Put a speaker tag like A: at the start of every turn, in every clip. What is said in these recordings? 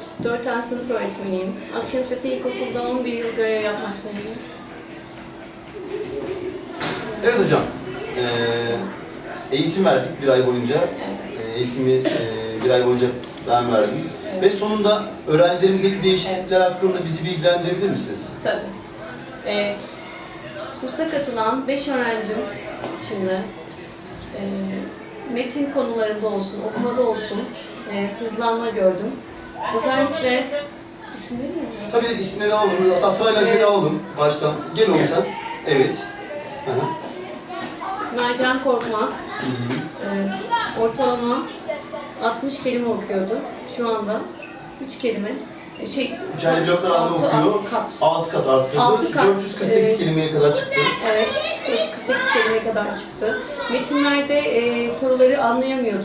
A: 4 tane sınıf öğretmeniyim. Akşemsetti İlkokulu'da 11 yıl görev yapmaktayım.
B: Evet hocam, eğitim verdik bir ay boyunca.
A: Evet.
B: Eğitimi bir ay boyunca ben verdim.
A: Evet.
B: Ve sonunda öğrencilerimizdeki değişiklikler hakkında bizi bilgilendirebilir misiniz?
A: Tabii. Kursa katılan 5 öğrencim içinde metin konularında olsun, okumada olsun hızlanma gördüm. Özellikle isim veriyor mu?
B: Tabii de isimleri alalım, hatta sırayla şöyle alalım baştan. Gel oğlum sen. Evet. Aha.
A: Mercan Korkmaz, ortalama 60 kelime okuyordu. Şu anda 3 kelime.
B: Üçerli bloklar halinde okuyor. 6 kat arttırdı.
A: 6 kat.
B: 448 kelimeye kadar çıktı.
A: Evet, 448 kelimeye kadar çıktı. Metinlerde soruları anlayamıyordu.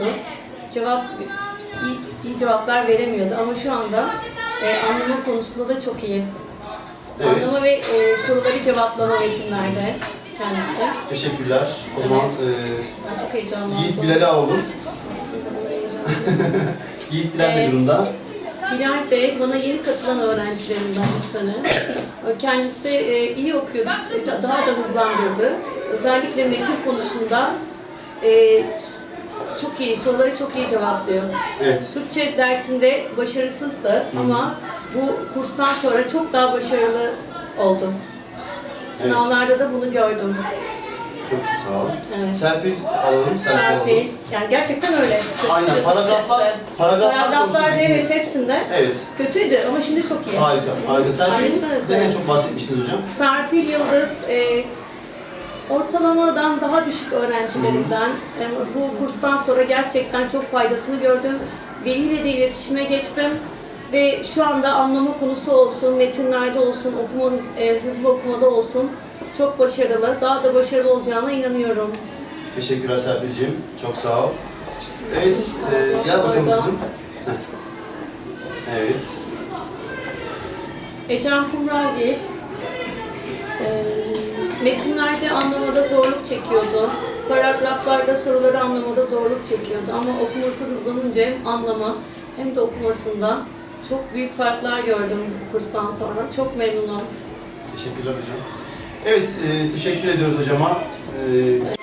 A: İyi cevaplar veremiyordu ama şu anda anlama konusunda da çok iyi.
B: Evet.
A: Anlama ve soruları cevaplama metinlerde kendisi.
B: Teşekkürler. O zaman
A: Ben çok heyecanlandım.
B: Yiğit Bilal'i alalım.
A: Aslında böyle heyecanlandım.
B: Yiğit Bilal ne durumda?
A: Bilal de bana yeni katılan öğrencilerimden bu sene. Kendisi iyi okuyordu, daha da hızlandırdı. Özellikle metin konusunda çok iyi, soruları çok iyi cevaplıyor.
B: Evet.
A: Türkçe dersinde başarısızdı ama bu kurstan sonra çok daha başarılı oldum. Sınavlarda da bunu gördüm.
B: Çok sağ ol.
A: Evet.
B: Serpil alalım.
A: Serpil, yani gerçekten öyle.
B: Aynen,
A: Kötüydü
B: paragraflar
A: Paragraflarda
B: konusunda
A: evet hepsinde
B: evet.
A: kötüydü ama şimdi çok iyi.
B: Harika, harika. Serpil'den
A: Harika.
B: en çok bahsetmiştiniz hocam.
A: Serpil Yıldız, ortalamadan daha düşük öğrencilerimden. Bu kurstan sonra gerçekten çok faydasını gördüm. Veliyle de iletişime geçtim. Ve şu anda anlama konusu olsun, metinlerde olsun, hızlı okumada olsun çok başarılı. Daha da başarılı olacağına inanıyorum.
B: Teşekkürler Serpil'ciğim. Çok sağ ol. Evet, gel bakalım kızım. Evet.
A: Ecem Kumralgil, metinlerde anlamada zorluk çekiyordu. Paragraflarda soruları anlamada zorluk çekiyordu. Ama okuması hızlanınca hem anlama hem de okumasında çok büyük farklar gördüm bu kurstan sonra. Çok memnunum.
B: Teşekkürler hocam. Evet, teşekkür ediyoruz hocama.